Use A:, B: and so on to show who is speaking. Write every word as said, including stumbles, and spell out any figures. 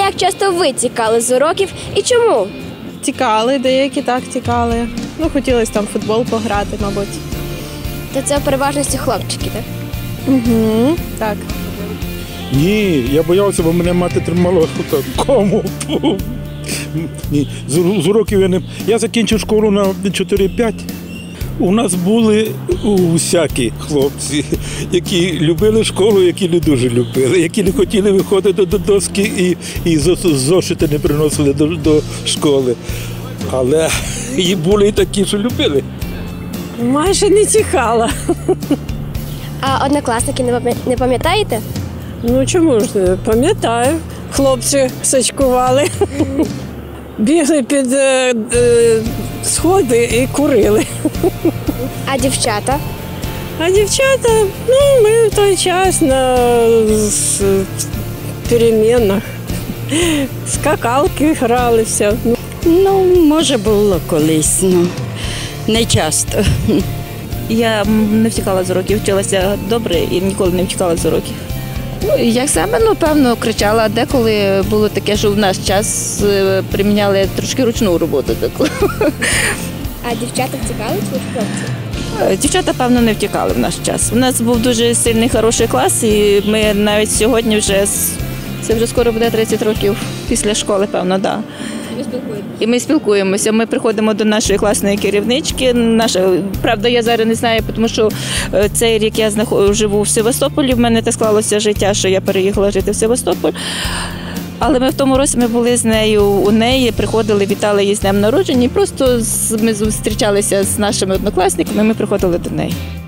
A: як часто ви тікали з уроків і чому?
B: Тікали, деякі так тікали. Ну, хотілося там в футбол пограти, мабуть.
A: То це в переважності хлопчики, так?
B: Угу. Так.
C: Ні, я боявся, бо мене мати тримала так, кому. Ні, з, з уроків я не... Я закінчив школу на чотири-п'ять. У нас були усякі хлопці, які любили школу, які не дуже любили, які не хотіли виходити до доски і, і зошити не приносили до, до школи. Але і були і такі, що любили.
D: Майже не тікала.
A: А однокласники не пам'ятаєте?
D: Ну чому ж не пам'ятаю. Хлопці сачкували, бігли під е, е, сходи і курили.
A: А дівчата?
D: А дівчата, ну ми в той час на з, перемінах скакалки гралися.
E: Ну, може було колись, ну не часто.
F: Я не втікала з уроків, вчилася добре і ніколи не втікала з уроків.
G: Ну, як саме, ну, певно, кричала. Деколи було таке, що в наш час приміняли трошки ручну роботу таку.
A: А дівчата втікали чи хлопці?
F: Дівчата, певно, не втікали в наш час. У нас був дуже сильний, хороший клас, і ми навіть сьогодні вже, це вже скоро буде тридцять років після школи, певно, так. Да. І ми спілкуємося. Ми приходимо до нашої класної керівнички. Наша, правда, я зараз не знаю, тому що цей рік я знаход... живу в Севастополі. В мене так склалося життя, що я переїхала жити в Севастополь. Але ми в тому році ми були з нею у неї, приходили, вітали її з днем народження. І просто ми зустрічалися з нашими однокласниками, ми приходили до неї.